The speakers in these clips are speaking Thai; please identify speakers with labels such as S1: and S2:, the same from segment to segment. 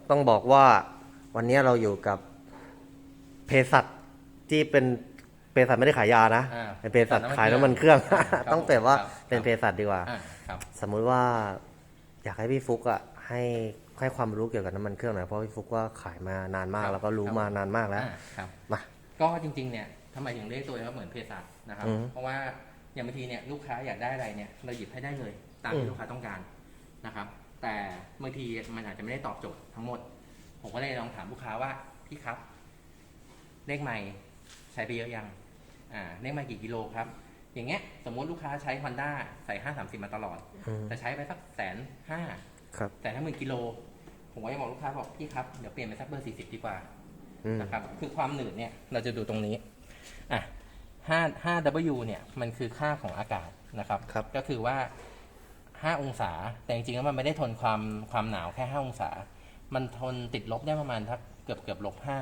S1: ต้องบอกว่าวันนี้เราอยู่กับเภสัชที่เป็นเภสัชไม่ได้ขายยานะเป็นเภสัชขายน้ำมันเครื่องต้องเปลี่ยนว่าเป็นเภสัชดีกว่าสมมุติว่าอยากให้พี่ฟุกอ่ะให้ความรู้เกี่ยวกับน้ำมันเครื่องหน่อยเพราะพี่ฟุกว่าขายมานานมากแล้วก็รู้มานานมากแล้วมา
S2: ก็จริงๆเนี่ยทำไมถึงเรียกตัวเองว่าเหมือนเภสัชนะครับเพราะว่าอย่างบางทีเนี่ยลูกค้าอยากได้อะไรเนี่ยเราหยิบให้ได้เลยตามที่ลูกค้าต้องการนะครับแต่บางทีมันอาจจะไม่ได้ตอบโจทย์ทั้งหมดผมก็เลยลองถามลูกค้าว่าพี่ครับเลขไมล์ใช้ไปเยอะยังเลขไมล์กี่กิโลครับอย่างเงี้ยสมมติลูกค้าใช้ Honda ใส่530มาตลอดแต่ใช้ไปสัก150,000150,000กิโลผมก็จะบอกลูกค้าบอกพี่ครับเดี๋ยวเปลี่ยนเป็นสักเบอร์40ดีกว่านะครับคือความหนืดเนี่ยเราจะดูตรงนี้5W เนี่ยมันคือค่าของอากาศนะครับก็คือว่า5องศาแต่จริงๆแล้วมันไม่ได้ทนความหนาวแค่5องศามันทนติดลบได้ประมาณเกือบ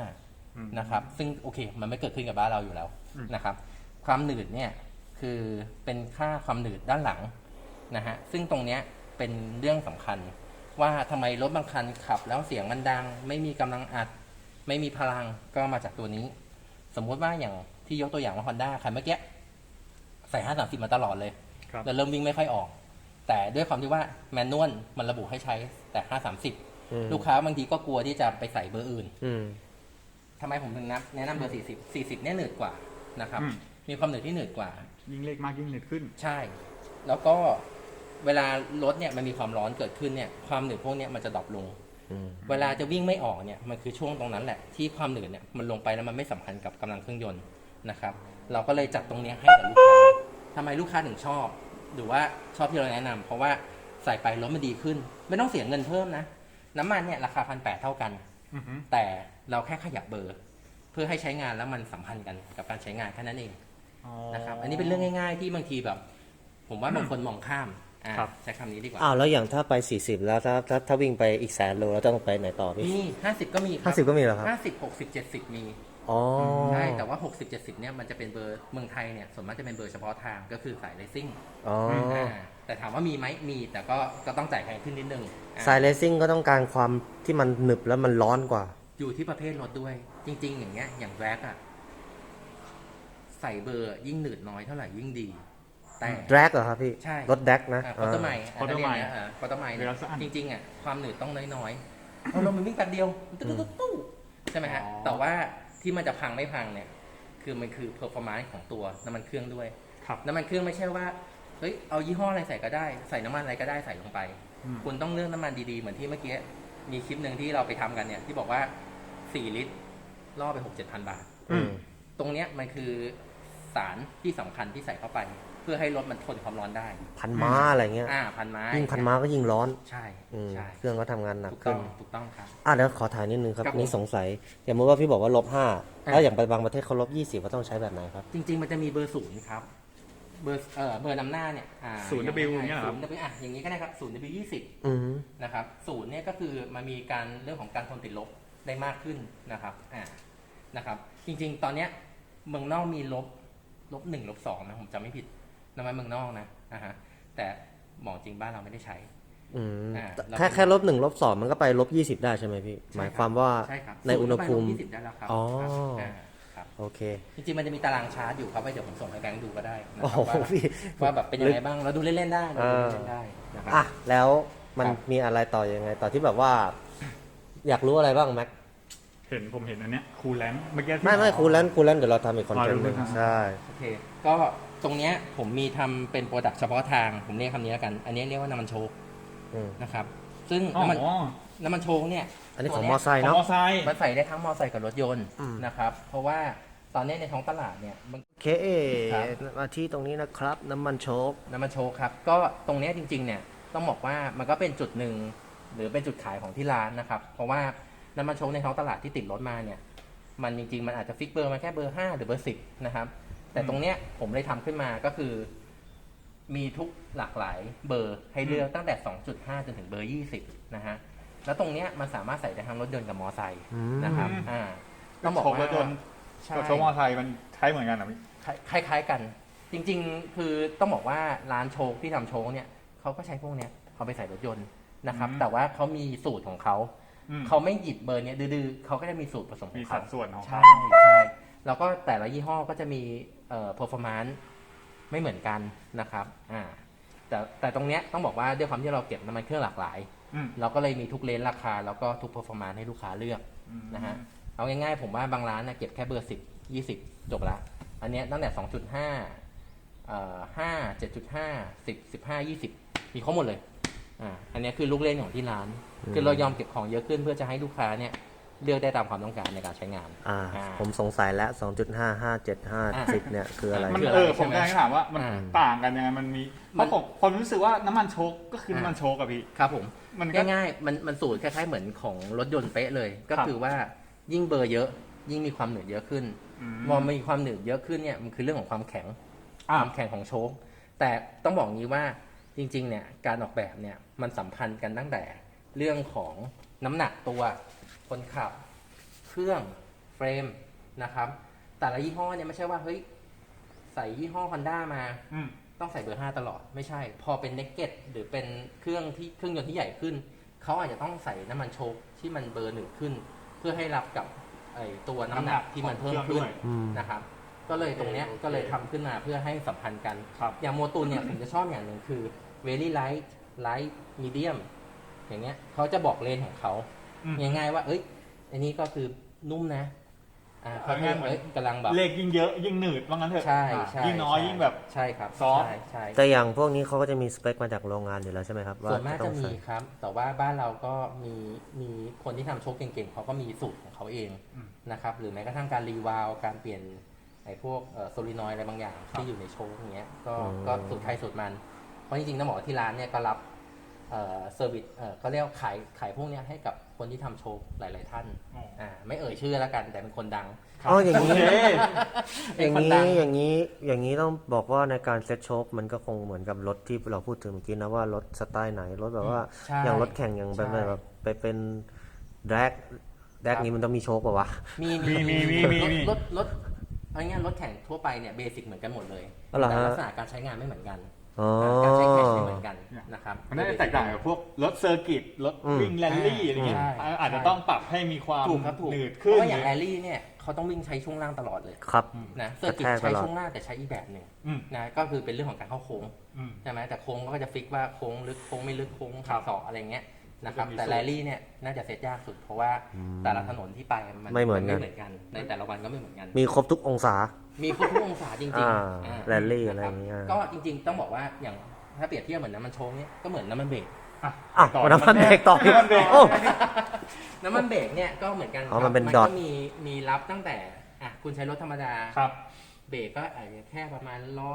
S2: -5นะครับซึ่งโอเคมันไม่เกิดขึ้นกับบ้านเราอยู่แล้วนะครับความหนืดเนี่ยคือเป็นค่าความหนืดด้านหลังนะฮะซึ่งตรงเนี้ยเป็นเรื่องสำคัญว่าทำไมรถบางคันขับแล้วเสียงมันดังไม่มีกำลังอัดไม่มีพลังก็มาจากตัวนี้สมมุติว่าอย่างที่ยกตัวอย่างว่า Honda คันเมื่อกี้ใส่530มาตลอดเลยแล้วเริ่มวิ่งไม่ค่อยออกแต่ด้วยความที่ว่าแมนนวลมันระบุให้ใช้แต่530ลูกค้าบางทีก็กลัวที่จะไปใส่เบอร์อื่นทำไมผมถึงแนะนำเบอร์40เนี่ยหนืดกว่านะครับมีความหนืดที่หนืดกว่า
S3: ยิ่งเล็กมากยิ่งหนืดขึ้น
S2: ใช่แล้วก็เวลารถเนี่ยมันมีความร้อนเกิดขึ้นเนี่ยความหนืดพวกนี้มันจะดรอปลงเวลาจะวิ่งไม่ออกเนี่ยมันคือช่วงตรงนั้นแหละที่ความหนืดเนี่ยมันลงไปแล้วมันไม่สัมพันธ์กับกำลังเครื่องยนต์นะครับเราก็เลยจัดตรงนี้ให้กับลูกค้าทำไมลูกค้าถึงชอบหรือว่าชอบที่เราแนะนำเพราะว่าใส่ไปรถมันดีขึ้นไม่ต้องเสียเงินเพิ่มนะน้ำมันเนี่ยราคา1,800เท่ากันแต่เราแค่ขยับเบอร์เพื่อให้ใช้งานแล้วมันสัมพันธ์กันกับการใช้งานแค่นั้นเองนะครับอันนี้เป็นเรื่องง่ายๆที่บางทีแบบผมว่าบางคนมองข้ามใช้คำนี้ดีกว่า
S1: แล้วอย่างถ้าไป40แล้วถ้าวิ่งไปอีก100,000 โลแล้วต้องไปไหนต่อพี่
S2: มี50ก็มี
S1: 50ก็มีเหรอครับ
S2: 50 60 70มีใช่แต่ว่า60 70เนี่ยมันจะเป็นเบอร์เมืองไทยเนี่ยส่วนมากจะเป็นเบอร์เฉพาะทางก็คือสายเลสซิ่งแต่ถามว่ามีไหมมีแต่ก็ต้องจ่ายแพงขึ้นนิดนึง
S1: สายเลสซิ่งก็ต้องการความที่มันหนึบแล้วมันร้อนกว่า
S2: อยู่ที่ประเภทรถด้วยจริงๆอย่างเงี้ยอย่างแร็กใส่เบอร์ยิ่งหนืดน้อยเท่าไหร่ยิ่งดีแต่
S1: แร็กเหรอครับพี่
S2: ใช่
S1: รถแร็กนะ
S2: คอร์ตไมล์คอร์ตไมล์จริงๆความหนืดต้องน้อยๆเรามันวิ่งแป๊บเดียวตู้ใช่ไหมฮะแต่ว่าที่มันจะพังไม่พังเนี่ยคือมันคือ performance ของตัวน้ำมันเครื่องด้วยน้ำมันเครื่องไม่ใช่ว่าเฮ้ยเอายี่ห้ออะไรใส่ก็ได้ใส่น้ำมันอะไรก็ได้ใส่ลงไปคุณต้องเลือกน้ำมันดีๆเหมือนที่เมื่อกี้มีคลิปหนึ่งที่เราไปทำกันเนี่ยที่บอกว่า4 ลิตรล่อไป 6-7,000 บาทตรงเนี้ยมันคือสารที่สำคัญที่ใส่เข้าไปเพื่อให้รถมันทนความร้อนได้
S1: พันม้าอะไรเงี้ย
S2: พันม้า
S1: ยิ่งพันม้าก็ยิ่งร้อน
S2: ใช่
S1: เครื่องก็ทำงานหนักขึ้น
S2: ถูกต้องครับ
S1: เดี๋ยวขอถ่ายนิดนึงครับนี่สงสัยอย่างเมื่อว่าพี่บอกว่า-5แล้วอย่างไปบางประเทศเขา-20ว่าต้องใช้แบบไหนครับ
S2: จริงๆมันจะมีเบอร์0ครับเบอร์นำหน้าเนี่ย
S3: 0W เนี่ยครับ
S2: อย่างนี้ก็ได้ครับ0W20นะครับ0เนี่ยก็คือมันมีการเรื่องของการทนติดลบได้มากขึ้นนะครับจริงๆตอนเนี้ยเมืองนอกมี-1 -2นะผมจำไม่ผิดน้ำมันเมืองนอกนะแต่บอกจริงบ้านเราไม่ได้ใช้
S1: แค่-1 -2มันก็ไป-20ได้ใช่ไหมพี่หมายความว่าในอุณหภูมิ
S2: -20ได้แล้วครับ
S1: โอเค
S2: จริงๆมันจะมีตารางชาร์จอยู่ครับเดี๋ยวผมส่งให้แบงค์ดูก็ได้นะครับว่าแบบเป็นยังไงบ้างเราดูเล่นๆได้
S1: นะครับแล้วมันมีอะไรต่อยังไงต่อที่แบบว่าอยากรู้อะไรบ้างแม็ก
S3: ผมเห็นอันเนี้ยคูลแลนต์เมื่อกี้
S1: ไม่คูลแลนต์เดี๋ยวเราทำอีกคอนเทนต์นึงใช่
S2: โอเคก็ตรงเนี้ยผมมีทำเป็นโปรดักต์เฉพาะทางผมเรียกคำนี้แล้วกันอันนี้เรียกว่าน้ำมันโชคนะครับซึ่งน้ำมันโชคเนี่ย
S1: อันนี้ของมอไซค์เนาะ
S2: มันใส่ได้ทั้งมอไซค์กับรถยนต์นะครับเพราะว่าตอนนี้ในท้องตลาดเนี่ย
S1: มาที่ตรงนี้นะครับน้ำมันโชค
S2: ครับก็ตรงนี้จริงๆเนี่ยต้องบอกว่ามันก็เป็นจุดหนึ่งหรือเป็นจุดขายของที่ร้านนะครับเพราะว่าน้ำมันโชคในท้องตลาดที่ติดรถมาเนี่ยมันจริงๆมันอาจจะฟิกเบอร์มาแค่เบอร์5หรือเบอร์10นะครับแต่ตรงเนี้ยผมเลยทำขึ้นมาก็คือมีทุกหลากหลายเบอร์ให้เลือกตั้งแต่ 2.5 จนถึงเบอร์20นะฮะแล้วตรงเนี้ยมันสามารถใส่ได้ทั้งรถยนต์กับมอไซค์นะครับ
S3: ต้องบอกว่ารถยนต์กับโชคมอไซค์มันใช้เหมือนกันหรอ
S2: คล้ายๆกันจริงๆคือต้องบอกว่าร้านโชคที่ทำโชคเนี่ยเขาก็ใช้พวกเนี้ยเอาไปใส่รถยนต์นะครับแต่ว่าเขามีสูตรของเขาเขาไม่หยิบเบอร์เนี้ยดื้อๆเขาก็จะมีสูตรผสมข
S3: มี
S2: อง
S3: สั
S2: เขา
S3: ดส่วนของ
S2: ใช่
S3: เขา
S2: ใช่แล้วก็แต่ละยี่ห้อก็จะมีperformance ไม่เหมือนกันนะครับแต่ตรงเนี้ยต้องบอกว่าด้วยความที่เราเก็บน้ำมันเครื่องหลากหลายเราก็เลยมีทุกเลนราคาแล้วก็ทุก performance ให้ลูกค้าเลือกนะฮะเอาง่ายๆผมว่าบางร้านนะเก็บแค่เบอร์10 20จบละอันเนี้ยตั้งแต่ 2.5 5 7.5 10 15 20มีครบหมดเลยอันนี้คือลูกเล่นของที่ร้านคือเรายอมเก็บของเยอะขึ้นเพื่อจะให้ลูกค้าเนี่ยเลือกได้ตามความต้องการในการใช้งาน
S1: ผมสงสัยแล้ว 2.5 5 7 5 10เนี่ยคืออะไร
S3: มันผมกำลังถามว่ามันต่างกันยังไงมันมีเพราะผมรู้สึกว่าน้ำมันโชคก็คือน้ำมันโชคอะพี่
S2: ครับผม
S3: มันก็
S2: ง่ายๆมันสูตรคล้ายๆเหมือนของรถยนต์เป๊ะเลยก็คือว่ายิ่งเบอร์เยอะยิ่งมีความหนืดเยอะขึ้นพอมีความหนืดเยอะขึ้นเนี่ยมันคือเรื่องของความแข็งของโชคแต่ต้องบอกงี้ว่าจริงๆเนี่ยการออกแบบเนี่ยมันสัมพันธ์กันตั้งแต่เรื่องของน้ำหนักตัวคนขับเครื่องเฟรมนะครับแต่ละยี่ห้อเนี่ยไม่ใช่ว่าเฮ้ยใส่ยี่ห้อ Honda มาต้องใส่เบอร์ 5ตลอดไม่ใช่พอเป็น Naked หรือเป็นเครื่องยนต์ที่ใหญ่ขึ้นเขาอาจจะต้องใส่น้ำมันโชคที่มันเบอร์1ขึ้นเพื่อให้รับกับตัวน้ำหนักที่มันเพิ่มขึ้นนะครับก็เลยตรงเนี้ยก็เลยทำขึ้นมาเพื่อให้สัมพันธ์กันอย่างโมตูนเนี่ยผมจะชอบอย่างหนึ่งคือ very light medium อย่างเงี้ยเขาจะบอกเลนของเขาง่ายๆว่าเอ้ยอันนี้ก็คือนุ่มนะเขาแค่กำลังแบบ
S3: เลขยิ่งเยอะยิ่งหนืดว่างั้นเถอะ
S2: ใช่
S3: ยิ่งน้อยยิ่งแบบ
S2: ใช่ครับ
S3: ซอฟ
S2: ใช่
S1: แต่อย่างพวกนี้เขาก็จะมีสเปคมาจากโรงงานอยู่แล้วใช่ไหมครับ
S2: ส่วนมากจะมีครับแต่ว่าบ้านเราก็มีคนที่ทำโชคเก่งๆเขาก็มีสูตรของเขาเองนะครับหรือแม้กระทั่งการรีวาลการเปลี่ยนไอ้พวกโซลินอยด์อะไรบางอย่างที่อยู่ในโชคอย่างเงี้ยก็สูตรใครสูตรมันเพราะจริงๆต้องบอกว่าที่ร้านเนี่ยก็รับเซอร์วิสเขาเรียกขายพวกนี้ให้กับคนที่ทำโชว์หลายๆท่านไม่เอ่ยชื่อแล้วกันแต่เป็นคนดัง
S1: อย่างนี้อย่างนี้ต้องบอกว่าในการเซ็ตโชคมันก็คงเหมือนกับรถที่เราพูดถึงเมื่อกี้นะว่ารถสไตล์ไหนรถแบบว่าอย่างรถแข่งอย่างแบบไปเป็นแดกนี้มันต้องมีโชคป่าวะ
S2: มีรถอะไรเงี้ยรถแข่งทั่วไปเนี่ยเบสิกเหมือนกันหมดเลยแต่ลักษณะการใช้งานไม่เหมือนกันการใช้แคชไม่เหมือนกันนะครับ
S3: มันน่าจะแตกต่างกับพวกรถเซอร์กิตรถวิ่งแรลลี่อะไรเงี้ยอาจจะต้องปรับให้มีความหนืดขึ้น
S2: เพราะอย่างแรลลี่เนี่ยเขาต้องวิ่งใช้ช่วงล่างตลอดเลย
S1: ครับ
S2: นะเซอร์กิตใช้ช่วงล่างแต่ใช้อีกแบบหนึ่งนะก็คือเป็นเรื่องของการเข้าโค้งใช่ไหมแต่โค้งก็จะฟิกว่าโค้งลึกโค้งไม่ลึกโค้งขาศอกอะไรเงี้ยนะครับแต่แรลลี่เนี่ยน่าจะเซตยากสุดเพราะว่าแต่ละถนนที่ไปมัน
S1: ไม่เหมือน
S2: กันในแต่ละวันก็ไม่เหมือนกัน
S1: มีครบทุกองศา
S2: มีครบทุกองศาจริง
S1: ๆแรลลี่อะไรอย่างเงี้ย
S2: ก็จริงๆต้องบอกว่าอย่างถ้าเปรียบเทียบเหมือนน้ำมันโชว์เนี่ยก็เหมือนน้ำมันเบรก
S1: น้ำมันเบรกต่อ
S2: น้ำมันเบรกเนี่ยก็เหมือนกัน
S1: มัน
S2: ก็มีรับตั้งแต่คุณใช้รถธรรมดาเบรกก็อาจจะแค่ประมาณ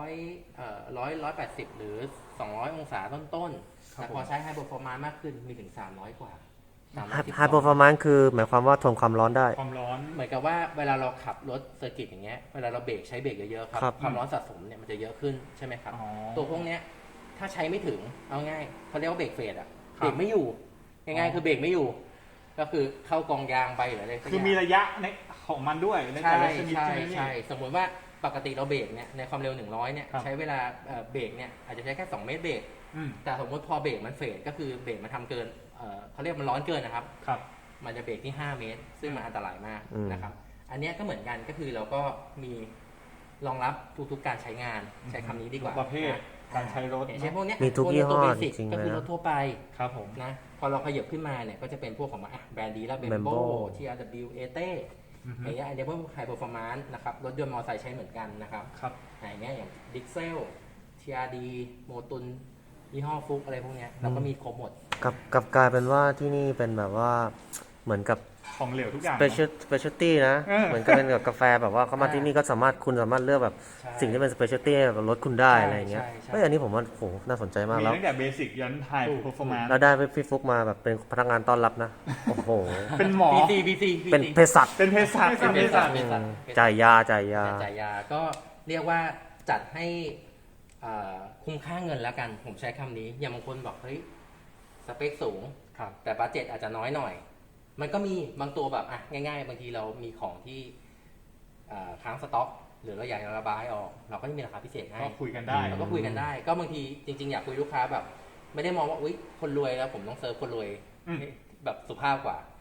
S2: 180หรือ200องศาต้นๆแต่พอใช้ไฮเปอร์ฟอร์มานซ์มากขึ้นมีถึง300กว่า
S1: ไฮเปอร์ฟอร์มานซ์คือหมายความว่าทนความร้อนได้
S3: ความร้อน
S2: เหมือนกับว่าเวลาเราขับรถเซอร์กิตอย่างเงี้ยเวลาเราเบรกใช้เบรกเยอะๆครับความร้อนสะสมเนี่ยมันจะเยอะขึ้นใช่ไหมครับตัวพวกเนี้ยถ้าใช้ไม่ถึงเอาง่ายเขาเรียกว่าเบรกเฟดเบรกไม่อยู่ง่ายๆคือเบรกไม่อยู่ก็คือเข้ากองยางไปหรืออะไร
S3: คือมีระยะในของมันด้วยในแต่ละชนิด
S2: ใช่สมมติว่าปกติเราเบรกเนี่ยในความเร็ว100เนี่ยใช้เวลาเบรกเนี่ยอาจจะใช้แค่2เมตรเบรกแต่สมมติพอเบรกมันเฟดก็คือเบรกมันทำเกินเขาเรียกมันร้อนเกินนะครับมันจะเบรกที่5เมตรซึ่งมันอันตรายมากนะครับอันนี้ก็เหมือนกันก็คือเราก็มีรองรับทุกๆการใช้งานใช้คำนี้ดีกว่า
S3: ประเภทการใช้รถ
S2: ใช้พวกนี้
S1: มีทุกยี่ห้อจริงๆ
S2: ก็คือรถทั่วไป
S3: ครับผม
S2: นะพอเราขยับขึ้นมาเนี่ยก็จะเป็นพวกของแบรนด์ดีแล้วเบมโบ TRW เอเต้อย่างเงี้ยอันนี้พวกไฮเปอร์ฟอร์มานซ์นะครับรถยนต์มอเตอร์ไซค์ใช้เหมือนกันนะครับอย่างเงี้ยอย่างดิกเซล TRD โมตุนยี่ห้อฟุกอะไรพวกเนี้ยเราก็มีครบหมด
S1: กับกลายเป็นว่าที่นี่เป็นแบบว่าเหมือนกับ
S3: ของเหลวทุกอย่าง
S1: specialty นะเหมือนกับเป็นกับกาแฟแบบว่าเขามาที่นี่ก็คุณสามารถเลือกแบบสิ่งที่เป็น specialty แบบรถคุณได้อะไรอย่างเงี้ยอันนี้ผมว่าโหน่าสนใจมาก
S3: แล้วมีตั้งแต่เบสิกยันไฮเพอร์ฟอร์แมนซ์
S1: แล้วได้พี่ฟุกมาแบบเป็นพนักงานต้อนรับนะโอ้โห
S3: เป็นหมอ
S1: เป็นเภสัชจ่ายยา
S2: ก็เรียกว่าจัดให้คุ้มค่าเงินแล้วกันผมใช้คำนี้อย่างบางคนบอกเฮ้ยสเปคสูงแต่บัดเจ็ตอาจจะน้อยหน่อยมันก็มีบางตัวแบบง่ายๆบางทีเรามีของที่ค้างสต็อกหรือเราอยากจะระบายออกเราก็จะมีราคาพิเศษให้
S3: ก็คุยกันได้
S2: เราก็คุยกันได้ก็บางทีจริงๆอยากคุยลูกค้าแบบไม่ได้มองว่าอุ๊ยคนรวยแล้วผมต้องเซิร์ฟคนรวยแบบสุภาพกว่า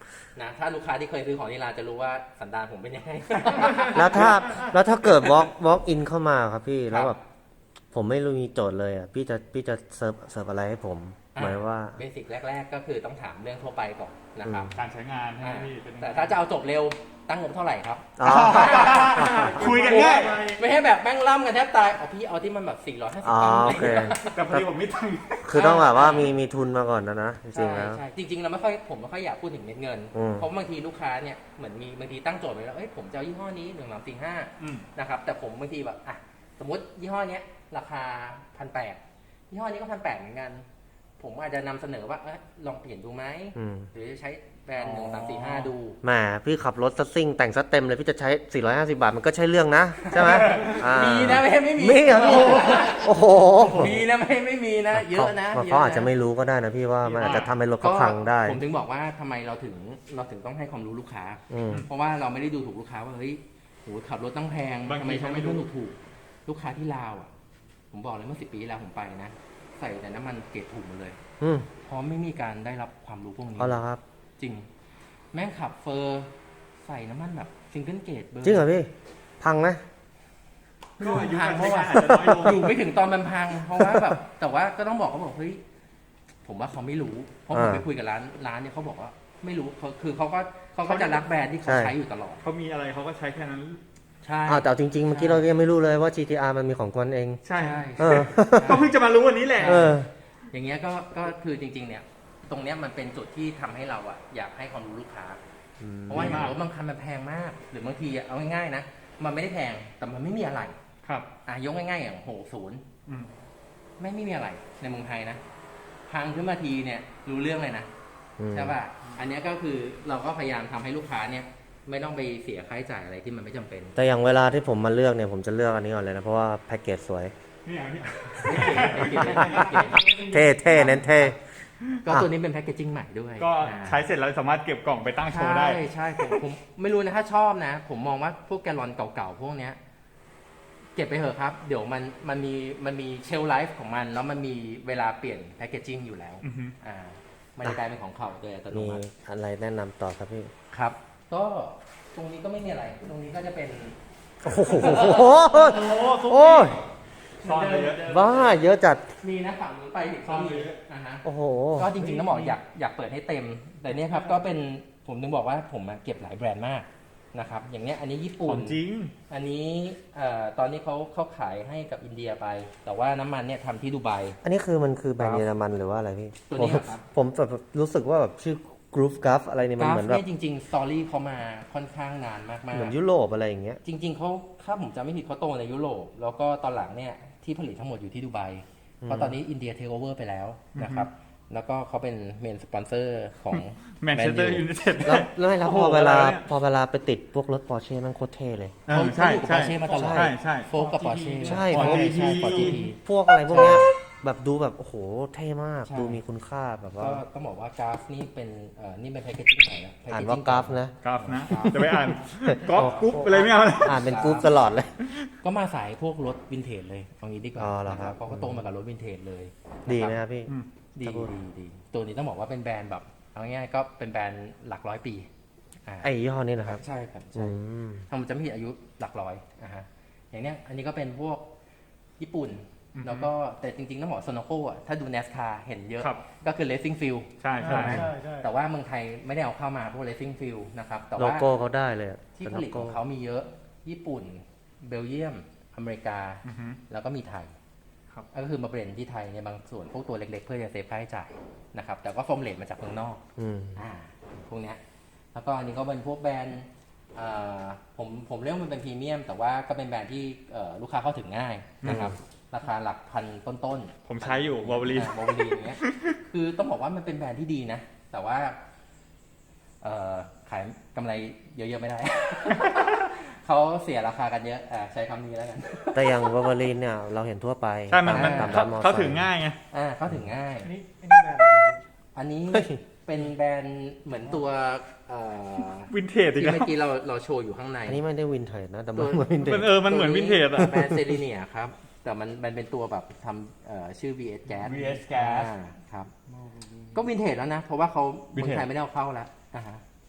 S2: นะถ้าลูกค้าที่เคยซื้อของนิลาจะรู้ว่าสันดานผมเป็นยังไง
S1: แล้วถ้าเกิด walk in เข้ามาครับพี่แล้วแบบผมไม่รู้มีโจทย์เลยอ่ะพี่จะเสิร์ฟอะไรให้ผมหมายว่า
S2: เบสิกแรก ๆ ก็คือต้องถามเรื่องทั่วไปก่อนนะครับ
S3: การใช้งานให้พี่เป็น
S2: แต่ถ้าจะเอาจบเร็วตั้งงบเท่าไหร่ครับ
S1: อ๋อ
S3: คุยกันง่าย
S2: ไม่ให้แบบแม่งล่ำกันแทบตายเอาพี่เอาที่มันแบบ450
S1: อ๋อ
S2: ตังค์
S1: โอเค
S3: แต่พอดีผมไม่ตังค์
S1: คือต้องแบบว่ามีทุนมาก่อนนะจริ
S2: ใช่
S1: งๆแล้ว
S2: ใช่จริงๆเราผมไม่ค่อยอยากพูดถึงเม็ดเงิน เพราะบางทีลูกค้าเนี่ยเหมือนมีบางทีตั้งโจทย์ไว้แล้วเอ้ยผมจะเอายี่ห้อนี้1 3 4 5นะครับแต่ผมบางทีแบบอ่ะสมมติยี่ห้อเนี้ยราคา1,800ยี่ห้อนี้ก็1,800เหมือนกันผมอาจจะนำเสนอว่าลองเปลี่ยนดูไหมหรือจะใช้แบรนด์1 3 4 5ดู
S1: แหมพี่ขับรถซัสซิ่งแต่งซัสเต็มเลยพี่จะใช้450 บาทมันก็ใช่เรื่องนะใช่ไหม
S2: มีนะไม่มี
S1: มีเหรอโอ้โห
S2: มีนะไม่มีนะเยอะนะ
S1: เขาอาจจะไม่รู้ก็ได้นะพี่ว่ามันอาจจะทำให้รถเขาพังได้
S2: ผมถึงบอกว่าทำไมเราถึงต้องให้ความรู้ลูกค้าเพราะว่าเราไม่ได้ดูถูกลูกค้าว่าเฮ้ยโหขับรถต้องแพงทำไมเขาไม่ดูถูกลูกค้าที่ลาวอ่ะผมบอกเลยเมื่อ10 ปีที่แล้วผมไปนะใส่แต่น้ำมันเกรดถูกหมดเลยเพราะไม่มีการได้รับความรู้พวกนี้
S1: อ๋อเหรอครับ
S2: จริงแม่งขับเฟอร์ใส่น้ำมันแบบซิงเกิลเกตเบอร์
S1: จริงเหรอพี่พังไหม
S3: ก็อายุ
S2: พัง
S3: การ
S2: เพราะ
S3: ใช้
S2: ว่าง
S3: านอาจจะน้อยลง
S2: อยู่ไม่ถึงตอนมันพังเพราะว่าแบบแต่ว่าก็ต้องบอกเขาบอกเฮ้ยผมว่าเขาไม่รู้เพราะผมไปคุยกับร้านเนี่ยเขาบอกว่าไม่รู้คือเขาก็จะรักแบรนด์ที่เขาใช้อยู่ตลอด
S3: เขามีอะไรเขาก็ใช้แค่นั้น
S2: ใช่
S1: แต่จริงๆเมื่อกี้เรายังไม่รู้เลยว่า GTR มันมีของกวนเอง
S3: ใช่ก็เพิ่งจะมารู้วันนี้แหละ
S2: อย่างเงี้ยก็คือจริงๆเนี่ยตรงเนี้ยมันเป็นจุดที่ทำให้เราอะอยากให้ความรู้ลูกค้าเพราะว่าอย่างรถบางคันมันแพงมากหรือบางทีเอาง่ายๆนะมันไม่ได้แพงแต่มันไม่มีอะไร
S3: ครับ
S2: ยกง่ายๆอย่าง60ไม่มีอะไรในเมืองไทยนะพังขึ้นมาทีเนี่ยรู้เรื่องเลยนะใช่ป่ะอันนี้ก็คือเราก็พยายามทำให้ลูกค้าเนี่ยไม่ต้องไปเสียค่าใช้จ่ายอะไรที่มันไม่จำเป็น
S1: แต่อย่างเวลาที่ผมมาเลือกเนี่ยผมจะเลือกอันนี้ก่อนเลยนะเพราะว่าแพ็กเกจสวยเท่เน้นเท่
S2: ก็ตัวนี้เป็นแพ็กเกจจิ้งใหม่ด้วย
S3: ก็ใช้เสร็จแล้วสามารถเก็บกล่องไปตั้งโชว์ได้
S2: ใช่ผมไม่รู้นะถ้าชอบนะผมมองว่าพวกแกลลอนเก่าๆพวกเนี้ยเก็บไปเถอะครับเดี๋ยวมันมีเชลไลฟ์ของมันแล้วมันมีเวลาเปลี่ยนแพ็กเกจจิ้งอยู่แล้วมันจะกลายเป็นของเขาโดยอัตโนมัติ
S1: มีอะไรแนะนำต่อครับพี่
S2: ครับก็ตรงนี้ก็ไม่มีอะไรตรงนี้ก็จะเป็น
S1: โอ้โห
S3: ซ่อนเยอะ
S1: บ้าเยอะจัด
S2: มีนะฝั่งนี้ไปถึง
S3: ซ่อนเยอะ
S1: โอ้โห
S2: ก็จริงๆต้องบอกอยากเปิดให้เต็มแต่เนี้ยครับก็เป็นผมถึงบอกว่าผมเก็บหลายแบรนด์มากนะครับอย่างเนี้ยอันนี้ญี่ปุ่น
S3: จริง
S2: อันนี้ตอนนี้เขาขายให้กับอินเดียไปแต่ว่าน้ำมันเนี่ยทำที่ดูไบ
S1: อันนี้คือมันคือแบรนด์เยอรมันหรือว่าอะไรพี่
S2: ตัวนี้ครับ
S1: ผมแบบรู้สึกว่าแบบชื่อ Groove Guff อะไรนี่มันเหมือนแบบ
S2: จริงๆสตอรี่เขามาค่อนข้างนานมากๆ
S1: เหมือนยุโรปอะไรอย่างเงี้ย
S2: จริงๆเขาถ้าผมจำไม่ผิดเขาโตในยุโรปแล้วก็ตอนหลังเนี่ยที่ผลิตทั้งหมดอยู่ที่ดูไบเพราะตอนนี้อินเดียเทคโอเวอร์ไปแล้วนะครับแล้วก็เขาเป็นเมนสปอนเซอร์ของ
S3: แมนเชสเตอร์ยูไนเต็ด
S1: แล้วพอเวลาไปติดพวกรถปอร์เช่มันโคตรเท่เลย
S2: ใช่ปอร์เช่มาตลอดโฟกับปอร์เช่
S1: ใช่
S2: ปอร์จีที
S1: พวกอะไรพวกเนี้ยแบบดูแบบโอ้โหเท่มากดูมีคุณค่าแบบว่า
S2: ก็ต้องบอกว่ากราฟนี่เป็นนี่เป็นแพคเกจจิ้งใหม่นะ
S1: อ่านว่ากราฟนะ
S3: จะไปอ่านกราฟกรุ๊ปอะไรไม่เอา
S1: อ่านเป็นกรุ๊ปตลอดเลย
S2: ก็มาสายพวกรถวินเทจเลยเอางี้ดีกว่านะครับเขาก็โตมากับรถวินเทจเลย
S1: ดีไหมครับพี่
S2: ดีตัวนี้ต้องบอกว่าเป็นแบรนด์แบบเอาง่ายๆก็เป็นแบรนด์หลักร้อยปี
S1: ไอ้ยี่ห้อนี้นะครับ
S2: ใช่ครับใช่ถ้ามันจะไม่ผิดอายุหลักร้อยอย่างเนี้ยอันนี้ก็เป็นพวกญี่ปุ่นแล้วก็แต่จริงๆต้องบอกโซโนโก้ถ้าดู NASCAR เห็นเยอะก็คือ Racing Field
S3: ใช่
S2: แต่ว่าเมืองไทยไม่ได้เอาเข้ามาพวก Racing Field นะครับแต่ว่า
S1: โลโก้เขาได้เลย
S2: ที่ผลิตของเขามีเยอะญี่ปุ่นเบลเยียมอเมริกาแล้วก็มีไทยก็คือมาเบรนที่ไทยในบางส่วนพวกตัวเล็กๆเพื่อจะเซฟค่าใช้จ่ายนะครับแต่ก็ฟอร์มเลทมาจากเมืองนอกพวกเนี้ยแล้วก็อันนี้ก็เป็นพวกแบรนด์ผมเรียกว่ามันเป็นพรีเมียมแต่ว่าก็เป็นแบรนด์ที่ลูกค้าเข้าถึงง่ายนะครับราคาหลักพันต้น
S3: ๆผมใช้อยู่วอลลี
S2: อย่างเงี้ยคือต้องบอกว่ามันเป็นแบรนด์ที่ดีนะแต่ว่าขายกำไรเยอะๆไม่ได้ เขาเสียราคากันเยอะใช้คำนี้แล้วกัน
S1: แต่อย่างวอลลีนเนี่ยเราเห็นทั่วไป
S3: ใช่มันเขาถึงง่ายไง
S2: เขาถึงง่ายอันนี้เป็นแบรนด์เหมือนตัว
S3: วินเทจ
S2: ที่เมื่อกี้เราโชว์อยู่ข้างใน
S1: อันนี้ไม่ได้วินเทจนะแต่มันเหมือนวินเทจ
S3: มันเหมือนวินเทจอะ
S2: แบรนด์เซรีเนียครับแต่มันเป็นตัวแบบทำชื่อ VS Gas
S3: ครับ
S2: ก็วินเทจแล้วนะเพราะว่าเขาเมืองไทยไม่ได้เอาเข้าแล้ว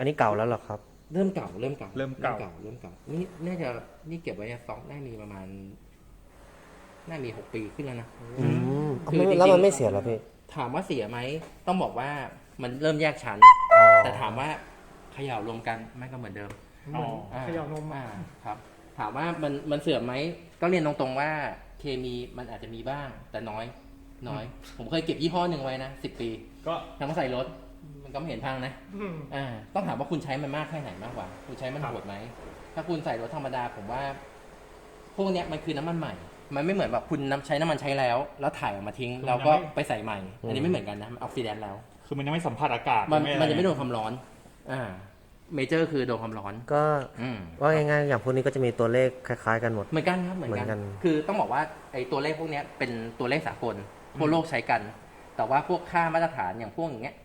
S1: อันนี้เก่าแล้วเหรอครับ
S2: เริ่มเก่าเริ่มเก่า
S3: เริ่มเก่า
S2: นี่น่าจะนี่เก็บไว้สต็อกได้มีประมาณน่ามี6 ปีขึ้นแล้วนะ
S1: อืม
S2: คือจริงๆ
S1: แล้วมันไม่เสียเหรอพี่
S2: ถามว่าเสียไหมต้องบอกว่ามันเริ่มแยกชั้น
S1: อ๋อ
S2: แต่ถามว่าเขย่ารวมกันไม่ก็เหมือนเดิม
S3: อ๋อ
S4: เขย่านมมา
S2: ครับ ถามว่ามันเสื่อมไหมก็เรียนตรงๆว่าเคมีมันอาจจะมีบ้างแต่น้อย ผมเคยเก็บยี่ห้อหนึ่งไว้นะ10 ปี
S3: ก็
S2: ทำมาใส่รถมันก็ไม่เห็นพังนะ ต้องถามว่าคุณใช้มันมากแค่ไหนมากกว่า คุณใช้มันโหดไหมถ้าคุณใส่รถธรรมดาผมว่า พวกเนี้ยมันคือน้ำมันใหม่ มันไม่เหมือนแบบคุณใช้น้ำมันใช้แล้วถ่ายออกมาทิ้งแล้วก็ไปใส่ใหม่ อันนี้ไม่เหมือนกันนะมันออกซิแดนต์แล้ว
S3: คือมันยังไม่สัมผัสอากาศ
S2: มันจะไม่โดนความร้อนเมเจอร์คือโดนความร้อน
S1: ก็
S2: อืม
S1: ว่าง่ายๆอย่างพวกนี้ก็จะมีตัวเลขคล้ายๆกันหมด
S2: เหมือนกันครับเหมือน
S1: เหมือนกั
S2: กัน น คือต้องบอกว่าไอ้ตัวเลขพวกเนี้ยเป็นตัวเลขสากลทั่วโลกใช้กัน แต่ว่าพวกค่ามาตรฐานอย่างพวกอย่างเงี้ย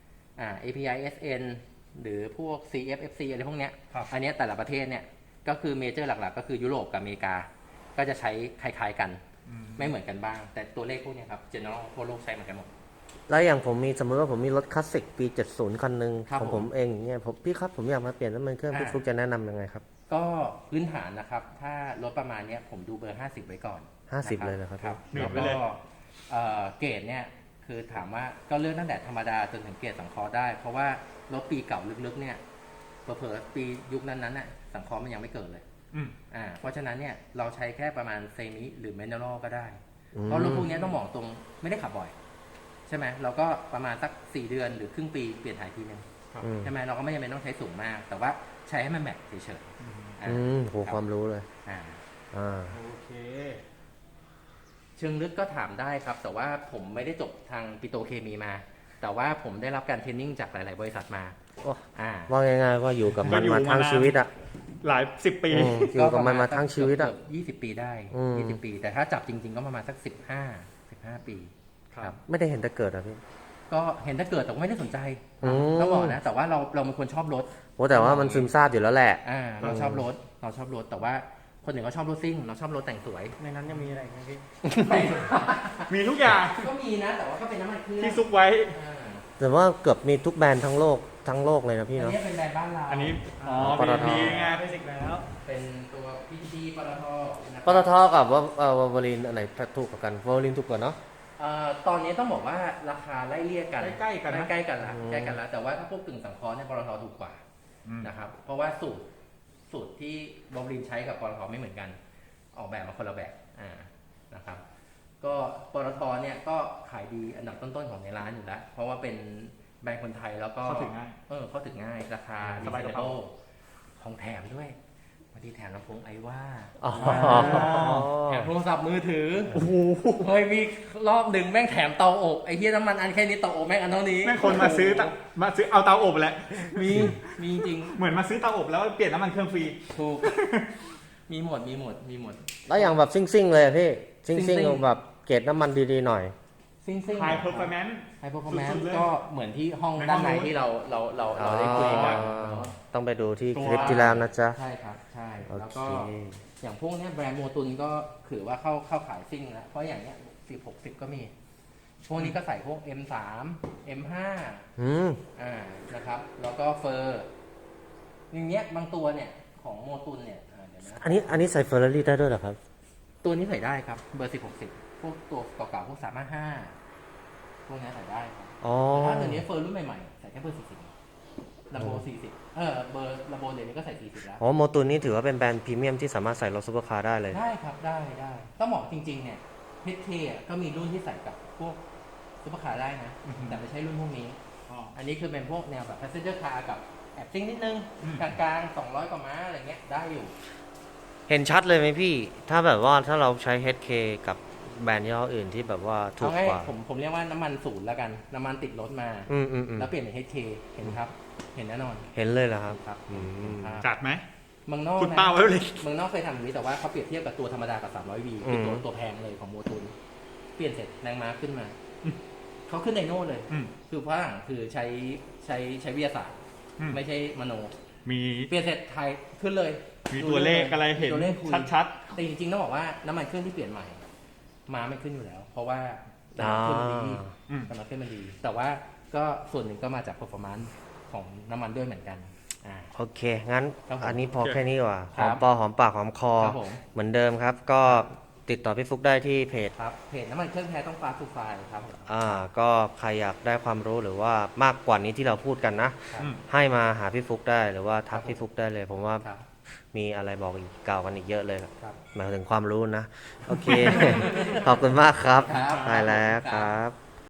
S2: API SN หรือพวก CFFC อะไรพวกเนี้ย อันเนี้ยแต่ละประเทศเนี่ยก็คือเมเจอร์หลักๆ ก็คือยุโรปกับอเมริกา ก็จะใช้คล้ายๆกัน ไม่เหมือนกันบ้าง แต่ตัวเลขพวกเนี้ยครับ general ทั่วโลกใช้เหมือนกันหมด
S1: แล้วอย่างผมมีสมมติว่าผมมีรถคลาสสิกปี 70 คันหนึ่ง
S2: ครับ
S1: ของผมเองอย่างเงี้ยพี่ครับผมอยากมาเปลี่ยนน้ำมันเครื่องพี่ฟลุกจะแนะนำยังไงครับ
S2: ก็พื้นฐานนะครับ ถ้ารถประมาณเนี้ยผมดูเบอร์ 50 ไว้ก่อน
S1: 50เลยเหรอครับ
S2: ครับ
S3: หนึ่
S2: แล้
S3: ง
S2: ว
S3: ไป
S2: ก็
S3: เลย
S2: เกรดเนี่ยคือถามว่าก็เลือกตั้งแต่ธรรมดาจนถึงเกรดสังเคราะห์ได้ เพราะว่ารถปีเก่าลึกๆเนี่ยเผลอๆปียุคนั้นๆน่ะสังเคราะห์มันยังไม่เกิดเลย
S3: อืม
S2: เพราะฉะนั้นเนี่ยเราใช้แค่ประมาณเซมิหรือเมนเนอรัลก็ได้
S1: อืม
S2: เพราะรถพวกนี้ต้องบอกตรงไม่ได้ขับบ่อย ใช่ไหมเราก็ประมาณสัก4 เดือนหรือครึ่งปีเปลี่ยนถ่ายทีนึง
S1: อืม
S2: ใช่ไหมเราก็ไม่จำเป็นต้องใช้สูงมาก แต่ว่าใช้ให้มันแมทเฉยๆ
S1: โหความรู้เลย
S2: อ่า
S3: โอเค
S2: เชิงลึกก็ถามได้ครับ แต่ว่าผมไม่ได้จบทางปิโตรเคมีมา แต่ว่าผมได้รับการเทรนนิ่งจากหลาย ๆ บริษัทมา
S1: โอ้
S2: อ่า
S1: ว่าง่ายๆว่าอยู่กับมัน
S3: ก็อยู่
S1: มาทั้ง
S3: มานาน
S1: ชีวิตอ่ะ
S3: หลายสิบปี
S1: อยู่กับมันมาทั้งชีวิตอ่ะ
S2: เกือบ20 ปีได้
S1: อืม
S2: 20 ปี แต่ถ้าจับจริง ๆ ก็ประมาณสัก15 ปี
S3: ครับ
S1: ไม่ได้เห็นแต่เกิดอ่ะพี่
S2: ก็เห็นถ้าเกิดแต่ก็ไม่ได้สนใจ
S1: อืม
S2: ต้องบอกนะ แต่ว่าเราเป็นคนชอบรถ
S1: โอ้แต่ว่ามันซึมซาบอยู่แล้วแหละ
S2: เราชอบรถ แต่ว่าคนหนึ่งก็ชอบรถซิ่ง เราชอบรถแต่งสวย
S4: ในนั้นยังมีอะไรไหมพี่
S3: มีทุกอย่าง
S2: ก็มีนะ แต่ว่าก็เป็นน้ำมันเครื่อง
S3: ที่ซุกไว้
S2: อ่า
S1: แต่ว่าเกือบมีทุกแบรนด์ทั้งโลกเลยนะพี่
S2: อัน
S1: เนาะ
S2: นี้เป็นแบรนด์บ้านเรา
S3: อันนี้ อ๋อ
S1: ปตท
S3: PTT ไง
S4: เบสิกแล้ว
S2: เป็นตัว PTT ปตทนะค
S1: ป
S2: รับ
S1: ตทกับวอลลินอันไหนถูกกว่ากันวอลลินถูกกว่าเนาะ
S2: ตอนนี้ต้องบอกว่าราคาไล่เลี่ยกัน
S3: ใกล้ๆกันนะ
S2: ใกล้ๆกันละ
S1: อืม
S2: ใกล้กันละแต่ว่าถ้าพวกกึ่งสังเคราะห์เนี่ยปตทถูกกว่า
S3: อืม
S2: นะครับ เพราะว่าสูตรที่บอมลินใช้กับปตทไม่เหมือนกัน ออกแบบมาคนละแบบนะครับ ก็ปตทเนี่ยก็ขายดีอันดับต้นๆของในร้านอยู่แล้ว เพราะว่าเป็นแบรนด์คนไทยแล้วก็
S3: เข้าถึงง่าย
S2: เข้าถึงง่ายราคา
S3: สบายกระเป๋า
S2: ของแถมด้วยบางทีแถมลำโพงไอว่า
S1: อ๋อ
S2: แถมโทรศัพท์มือถือเฮ้ยมีรอบหนึ่งแม่งแถมเตาอบไอ้เหี้ยน้ำมันอันแค่นี้เตาอบแม่งอันเท่านี้
S3: แม่งคนมาซื้อเอาเตาอบแหละ
S2: มีจริง
S3: เหมือนมาซื้อเตาอบแล้วเปลี่ยนน้ำมันเครื่องฟรี
S2: ถูก มีหมด
S1: แล้วอย่างแบบซิ่งๆเลยอะพี่ซิ่
S2: ซิ่
S1: ง
S2: ง
S1: ๆแบบเกรดน้ำมันดีๆหน่อย
S2: ซิ่ง
S3: High Performance
S2: ไฮเปอร์ฟอร์แมน
S3: สุดๆเลย
S2: ก็เหมือนที่ห้อง
S3: ในห้อง
S2: ด้านใน
S3: นู้น
S2: ที่เราได้คุยกัน
S1: ต้องไปดูที่คลิปที่แล้วนะจ๊ะ
S2: ใช่ครับ ใช่
S1: โอเค
S2: แล้วก็อย่างพวกเนี้ยแบรนด์โมตุนก็ถือว่าเข้าขายซิ่งแล้วเพราะอย่างเนี้ย10-60 ก็มี พวกนี้ก็ใส่พวก M3 M5
S1: อืม
S2: นะครับ แล้วก็เฟอร์อย่างเงี้ยบางตัวเนี่ยของโมตุนเนี่ยเดี๋ยวนะ
S1: อันนี้ใส่เฟอร์รารี่ได้ด้วยเหรอครับ
S2: ตัวนี้ใส่ได้ครับเบอร์10-60พวกตัวเก่าๆพวก355พวกนี้ใส่ได้ครับ
S1: อ๋อ
S2: แต่ถ้าตัวนี้เฟอร์รุ่นใหม่ๆใส่แค่เบอร์40ลำโบ40เบอร์ลำโบเดี๋ยวนี้ก็ใส่40แล้ว
S1: อ๋อโมตุนนี่ถือว่าเป็นแบรนด์พรีเมียมที่สามารถใส่รถซุปเปอร์คาร์ได้เลย
S2: ได้ครับได้ต้องบอกจริงๆเนี่ยHKก็มีรุ่นที่ใส่กับพวกซุปเปอร์คาร์ได้นะ
S3: อือฮึ
S2: แต่ไม่ใช่รุ่นพวกนี้
S3: อ๋อ
S2: อันนี้คือเป็นพวกแนวแบบ passenger car กับแอบซิ่งนิดนึง
S3: อืม
S2: กลางๆ200 กว่าม้าอะไรเงี้ยได้อยู่
S1: เห็นชัดเลยไหมพี่ ถ้าแบบว่าถ้าเราใช้ HK กับแบรนด์ยี่ห้ออื่นที่แบบว่าถู
S2: เอา
S1: ก
S2: ง่าย
S1: กว่า
S2: ผมเรียกว่าน้ำมันศูนย์แล้วกันน้ำมันติดรถมา
S1: อืม
S2: แล้วเปลี่ยนเป็น HK เห็นครับ เห็นแน่นอน
S1: เห็นเลยเหรอครับ
S2: ครับ
S1: อืม
S2: ครับ
S3: จัดไหม
S2: เมืองนอก
S3: คุณ
S2: นะ
S3: ป้าไว้เลย
S2: เมืองนอกเคยทำอย่างนี้แต่ว่าเขาเปรียบเทียบกับตัวธรรมดากับ 300V คือตัวแพงเลยของโมตุนเปลี่ยนเสร็จแรงม้าขึ้นมา เขาขึ้นไดโน่เลย
S3: อืม
S2: คือฝรั่งคือใช้วิทยาศาสตร์
S3: อืม
S2: ไม่ใช่มโน
S3: มี
S2: เปลี่ยนเสร็จไทยขึ้นเลย
S3: มีตัวเลขอะไรเห็น
S2: ตัวเลขคุย
S3: ชัด
S2: แต่จริงๆต้องบอกว่าน้ำมันเครื่องที่เปลี่ยนใหม่ม้าไม่ขึ้นอยู่แล้ว เพราะว่าน้ำมันเครื่องมันดี
S3: อืม
S2: น้ำมันเครื่องมันดี แต่ว่าก็ส่วนหนึ่งก็มาจาก performance ของน้ำมันด้วยเหมือนกันอ่า
S1: โอเค งั้น
S2: ครับผม
S1: อันนี้พอแค่นี้ดีกว่า
S2: ค
S1: ห
S2: รับ
S1: อมปอหอมปากหอมคอ
S2: ครับผม
S1: เหมือนเดิมครับ ก็ติดต่อพี่ฟุกได้ที่เพจ
S2: ครับเพจน้ำมันเครื่องแท้ต้องฟ้าทูไฟครับผม
S1: ก็ใครอยากได้ความรู้หรือว่ามากกว่านี้ที่เราพูดกันนะ
S2: ครับ
S1: ให้มาหาพี่ฟุกได้หรือว่าทัก
S2: ครับ
S1: พี่ฟุกได้เลย ผมว่า
S2: ครับ
S1: มีอะไรบอกอีกกล่าวกันอีกเยอะเลย
S2: ครับ
S1: หมายถึงความรู้นะ โอเค ขอบคุณมากครับ
S2: ครับ
S1: ได้แล้วครับ